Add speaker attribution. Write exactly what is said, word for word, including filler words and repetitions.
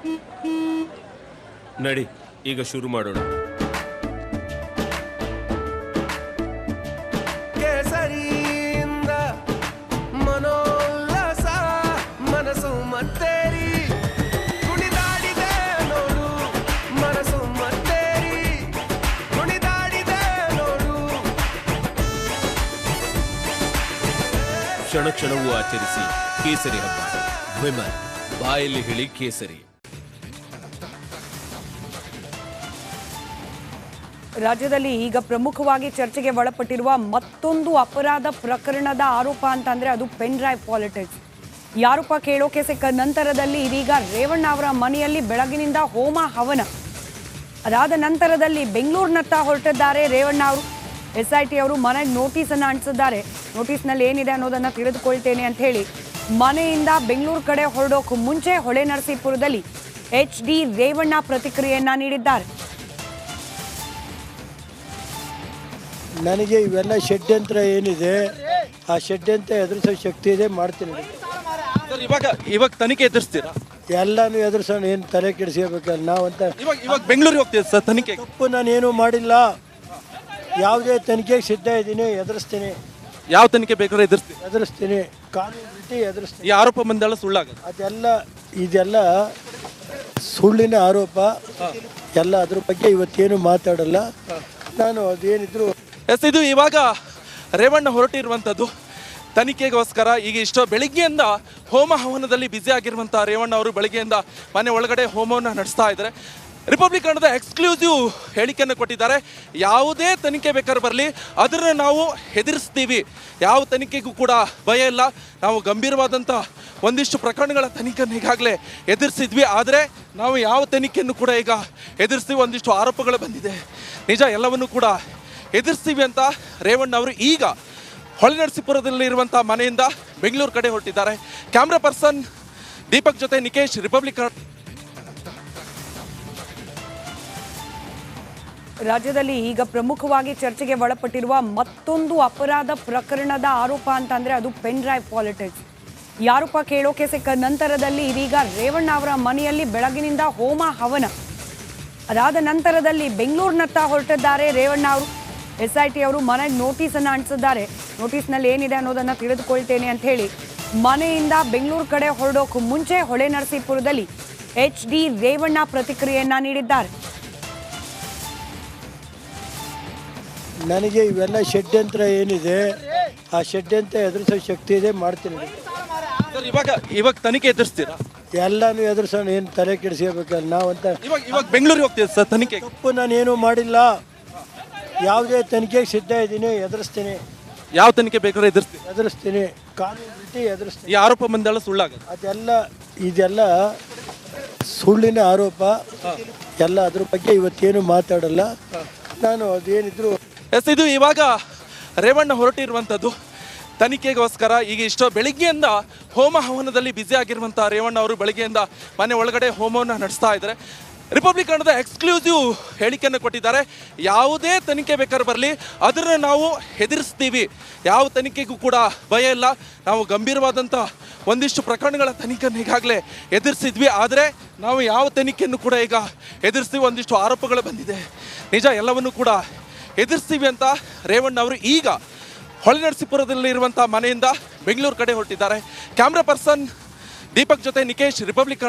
Speaker 1: ನಡಿ ಈಗ ಶುರು ಮಾಡೋಣ. ಕೇಸರಿಯಿಂದ ಮನೋಲ್ಲಾಸ ಮನಸ್ಸು ಮತ್ತೇರಿ ಕುಣಿದಾಡಿದೆ ನೋಡು, ಮನಸ್ಸು ಮತ್ತೇರಿ ಕುಣಿದಾಡಿದೆ ನೋಡು. ಕ್ಷಣ ಕ್ಷಣವೂ ಆಚರಿಸಿ ಕೇಸರಿ ಹಬ್ಬ. ವಿಮಲ್ ಬಾಯಲ್ಲಿ ಹೇಳಿ ಕೇಸರಿ.
Speaker 2: ರಾಜ್ಯದಲ್ಲಿ ಈಗ ಪ್ರಮುಖವಾಗಿ ಚರ್ಚೆಗೆ ಒಳಪಟ್ಟಿರುವ ಮತ್ತೊಂದು ಅಪರಾಧ ಪ್ರಕರಣದ ಆರೋಪ ಅಂತಂದ್ರೆ ಅದು ಪೆನ್ ಡ್ರೈವ್ ಪಾಲಿಟಿಕ್ಸ್. ಯಾರೂಪ ಕೇಳೋಕೆ ಸಿಕ್ಕ ನಂತರದಲ್ಲಿ ಇದೀಗ ರೇವಣ್ಣ ಅವರ ಮನೆಯಲ್ಲಿ ಬೆಳಗಿನಿಂದ ಹೋಮ ಹವನ. ಅದಾದ ನಂತರದಲ್ಲಿ ಬೆಂಗಳೂರಿನತ್ತ ಹೊರಟಿದ್ದಾರೆ ರೇವಣ್ಣ ಅವರು. ಎಸ್ ಐ ಟಿ ಅವರು ಮನೆಗೆ ನೋಟಿಸ್ ಅನ್ನ ಅಂಟಿಸಿದ್ದಾರೆ. ನೋಟಿಸ್ನಲ್ಲಿ ಏನಿದೆ ಅನ್ನೋದನ್ನ ತಿಳಿದುಕೊಳ್ತೇನೆ ಅಂತ ಹೇಳಿ ಮನೆಯಿಂದ ಬೆಂಗಳೂರು ಕಡೆ ಹೊರಡೋಕೆ ಮುಂಚೆ ಹೊಳೆ ನರಸೀಪುರದಲ್ಲಿ ಎಚ್ ಡಿ ರೇವಣ್ಣ ಪ್ರತಿಕ್ರಿಯೆಯನ್ನ ನೀಡಿದ್ದಾರೆ.
Speaker 3: ನನಗೆ ಇವೆಲ್ಲ ಷಡ್ಯಂತ್ರ ಏನಿದೆ ಆ ಷಡ್ಯಂತ್ರ ಎದುರಿಸೋ ಶಕ್ತಿ ಇದೆ, ಮಾಡ್ತೀನಿ.
Speaker 4: ಇವಾಗ ಇವಾಗ ತನಿಖೆ ಎದುರಿಸ್ತೀರಾ?
Speaker 3: ಎಲ್ಲಾನು ಎದುರಿಸೋಣ, ಏನು ತಲೆ ಕೆಡಿಸ್ಕೋಬೇಕಲ್ಲ ನಾವಂತ.
Speaker 4: ಇವಾಗ ಇವಾಗ ಬೆಂಗಳೂರಿಗೆ ಹೋಗ್ತೀವಿ ಸರ್ ತನಿಖೆ.
Speaker 3: ತಪ್ಪು ನಾನೇನು ಮಾಡಿಲ್ಲ, ಯಾವುದೇ ತನಿಖೆಗೆ ಸಿದ್ಧ ಇದ್ದೀನಿ, ಎದುರಿಸ್ತೀನಿ.
Speaker 4: ಯಾವ ತನಿಖೆ ಬೇಕಾದ್ರೂ ಎದುರಿಸ್ತೀವಿ
Speaker 3: ಎದುರಿಸ್ತೀನಿ ಕಾನೂನು ರೀತಿ ಎದುರಿಸ್ತೀನಿ.
Speaker 4: ಈ ಆರೋಪ ಬಂದೆಲ್ಲ ಸುಳ್ಳಾಗ
Speaker 3: ಅದೆಲ್ಲ ಇದೆಲ್ಲ ಸುಳ್ಳಿನ ಆರೋಪ ಎಲ್ಲ. ಅದ್ರ ಬಗ್ಗೆ ಇವತ್ತೇನು ಮಾತಾಡಲ್ಲ ನಾನು. ಅದೇನಿದ್ರು
Speaker 4: ಎಸ್, ಇದು ಇವಾಗ ರೇವಣ್ಣ ಹೊರಟಿರುವಂಥದ್ದು ತನಿಖೆಗೋಸ್ಕರ. ಈಗ ಇಷ್ಟೋ ಬೆಳಿಗ್ಗೆಯಿಂದ ಹೋಮ ಹವನದಲ್ಲಿ ಬ್ಯುಸಿ ಆಗಿರುವಂಥ ರೇವಣ್ಣ ಅವರು ಬೆಳಿಗ್ಗೆಯಿಂದ ಮನೆ ಒಳಗಡೆ ಹೋಮವನ್ನು ನಡೆಸ್ತಾ ಇದ್ದಾರೆ. ರಿಪಬ್ಲಿಕ್ ಕನ್ನಡದ ಎಕ್ಸ್ಕ್ಲೂಸಿವ್ ಹೇಳಿಕೆಯನ್ನು ಕೊಟ್ಟಿದ್ದಾರೆ. ಯಾವುದೇ ತನಿಖೆ ಬೇಕಾದ್ರೆ ಬರಲಿ, ಅದನ್ನು ನಾವು ಹೆದರಿಸ್ತೀವಿ. ಯಾವ ತನಿಖೆಗೂ ಕೂಡ ಭಯ ಇಲ್ಲ. ನಾವು ಗಂಭೀರವಾದಂಥ ಒಂದಿಷ್ಟು ಪ್ರಕರಣಗಳ ತನಿಖೆಯನ್ನು ಈಗಾಗಲೇ ಎದುರಿಸಿದ್ವಿ, ಆದರೆ ನಾವು ಯಾವ ತನಿಖೆಯನ್ನು ಕೂಡ ಈಗ ಎದುರಿಸ್ತೀವಿ. ಒಂದಿಷ್ಟು ಆರೋಪಗಳು ಬಂದಿದೆ, ನಿಜ, ಎಲ್ಲವನ್ನು ಕೂಡ ಎದುರಿಸ್ತೀವಿ ಅಂತ ರೇವಣ್ಣ ಅವರು ಈಗ ಹೊಳೆ ನರಸೀಪುರದಲ್ಲಿರುವಂಥ ಮನೆಯಿಂದ ಬೆಂಗಳೂರು ಕಡೆ ಹೊರಟಿದ್ದಾರೆ. ಕ್ಯಾಮ್ರಾ ಪರ್ಸನ್ ದೀಪಕ್ ಜೊತೆ ನಿಕೇಶ್, ರಿಪಬ್ಲಿಕ್.
Speaker 2: ರಾಜ್ಯದಲ್ಲಿ ಈಗ ಪ್ರಮುಖವಾಗಿ ಚರ್ಚೆಗೆ ಒಳಪಟ್ಟಿರುವ ಮತ್ತೊಂದು ಅಪರಾಧ ಪ್ರಕರಣದ ಆರೋಪ ಅಂತಂದ್ರೆ ಅದು ಪೆನ್ ಡ್ರೈವ್ ಪಾಲಿಟಿಕ್ಸ್. ಯಾರೂಪ ಕೇಳೋಕೆ ಸಿಕ್ಕ ನಂತರದಲ್ಲಿ ಇದೀಗ ರೇವಣ್ಣ ಅವರ ಮನೆಯಲ್ಲಿ ಬೆಳಗಿನಿಂದ ಹೋಮ ಹವನ. ಅದಾದ ನಂತರದಲ್ಲಿ ಬೆಂಗಳೂರಿನತ್ತ ಹೊರಟಿದ್ದಾರೆ ರೇವಣ್ಣ ಅವರು. ಎಸ್ ಐ ಟಿ ಅವರು ಮನೆಗೆ ನೋಟಿಸ್ ಅನ್ನ ಅಂಟಿಸಿದ್ದಾರೆ. ನೋಟಿಸ್ನಲ್ಲಿ ಏನಿದೆ ಅನ್ನೋದನ್ನ ತಿಳಿದುಕೊಳ್ತೇನೆ ಅಂತ ಹೇಳಿ ಮನೆಯಿಂದ ಬೆಂಗಳೂರು ಕಡೆ ಹೊರಡೋಕೆ ಮುಂಚೆ ಹೊಳೆ ನರಸೀಪುರದಲ್ಲಿ ಎಚ್ ಡಿ ರೇವಣ್ಣ ಪ್ರತಿಕ್ರಿಯೆಯನ್ನ ನೀಡಿದ್ದಾರೆ.
Speaker 3: ನನಗೆ ಇವೆಲ್ಲ ಷಡ್ಯಂತ್ರ ಏನಿದೆ ಆ ಷಡ್ಯಂತ್ರ ಎದುರಿಸೋ ಶಕ್ತಿ ಇದೆ, ಮಾಡ್ತೀನಿ.
Speaker 4: ಇವಾಗ ಇವಾಗ ತನಿಖೆ ಎದುರಿಸ್ತೀರಾ?
Speaker 3: ಎಲ್ಲಾನು ಎದುರಿಸೋಣ, ಏನು ತಲೆ ಕೆಡಿಸ್ಕೋಬೇಕಲ್ಲ ನಾವಂತ.
Speaker 4: ಇವಾಗ ಇವಾಗ ಬೆಂಗಳೂರಿಗೆ ಹೋಗ್ತೀವಿ ಸರ್ ತನಿಖೆ.
Speaker 3: ತಪ್ಪು ನಾನೇನು ಮಾಡಿಲ್ಲ, ಯಾವುದೇ ತನಿಖೆಗೆ ಸಿದ್ಧ ಇದ್ದೀನಿ, ಎದುರಿಸ್ತೀನಿ.
Speaker 4: ಯಾವ ತನಿಖೆ ಬೇಕಾದ್ರೂ ಎದುರಿಸ್ತೀವಿ
Speaker 3: ಎದುರಿಸ್ತೀನಿ ಕಾನೂನು ರೀತಿ ಎದುರಿಸ್ತೀನಿ.
Speaker 4: ಈ ಆರೋಪ ಬಂದೆಲ್ಲ ಸುಳ್ಳಾಗ
Speaker 3: ಅದೆಲ್ಲ ಇದೆಲ್ಲ ಸುಳ್ಳಿನ ಆರೋಪ ಎಲ್ಲ. ಅದ್ರ ಬಗ್ಗೆ ಇವತ್ತೇನು ಮಾತಾಡಲ್ಲ ನಾನು. ಅದೇನಿದ್ರು
Speaker 4: ಎಸ್, ಇದು ಇವಾಗ ರೇವಣ್ಣ ಹೊರಟಿರುವಂಥದ್ದು ತನಿಖೆಗೋಸ್ಕರ. ಈಗ ಇಷ್ಟೋ ಬೆಳಿಗ್ಗೆಯಿಂದ ಹೋಮ ಹವನದಲ್ಲಿ ಬ್ಯುಸಿ ಆಗಿರುವಂಥ ರೇವಣ್ಣ ಅವರು ಬೆಳಿಗ್ಗೆಯಿಂದ ಮನೆ ಒಳಗಡೆ ಹೋಮವನ್ನು ನಡೆಸ್ತಾ ಇದ್ದಾರೆ. ರಿಪಬ್ಲಿಕ್ ಕನ್ನಡದ ಎಕ್ಸ್ಕ್ಲೂಸಿವ್ ಹೇಳಿಕೆಯನ್ನು ಕೊಟ್ಟಿದ್ದಾರೆ. ಯಾವುದೇ ತನಿಖೆ ಬೇಕಾದ್ರೆ ಬರಲಿ, ಅದನ್ನು ನಾವು ಹೆದರಿಸ್ತೀವಿ. ಯಾವ ತನಿಖೆಗೂ ಕೂಡ ಭಯ ಇಲ್ಲ. ನಾವು ಗಂಭೀರವಾದಂಥ ಒಂದಿಷ್ಟು ಪ್ರಕರಣಗಳ ತನಿಖೆಯನ್ನು ಈಗಾಗಲೇ ಎದುರಿಸಿದ್ವಿ, ಆದರೆ ನಾವು ಯಾವ ತನಿಖೆಯನ್ನು ಕೂಡ ಈಗ ಎದುರಿಸ್ತೀವಿ. ಒಂದಿಷ್ಟು ಆರೋಪಗಳು ಬಂದಿದೆ, ನಿಜ, ಎಲ್ಲವನ್ನು ಕೂಡ ಎದುರಿಸ್ತೀವಿ ಅಂತ ರೇವಣ್ಣ ಅವರು ಈಗ ಹೊಳೆ ನರಸೀಪುರದಲ್ಲಿರುವಂಥ ಮನೆಯಿಂದ ಬೆಂಗಳೂರು ಕಡೆ ಹೊರಟಿದ್ದಾರೆ. ಕ್ಯಾಮ್ರಾ ಪರ್ಸನ್ ದೀಪಕ್ ಜೊತೆ ನಿಕೇಶ್, ರಿಪಬ್ಲಿಕ್.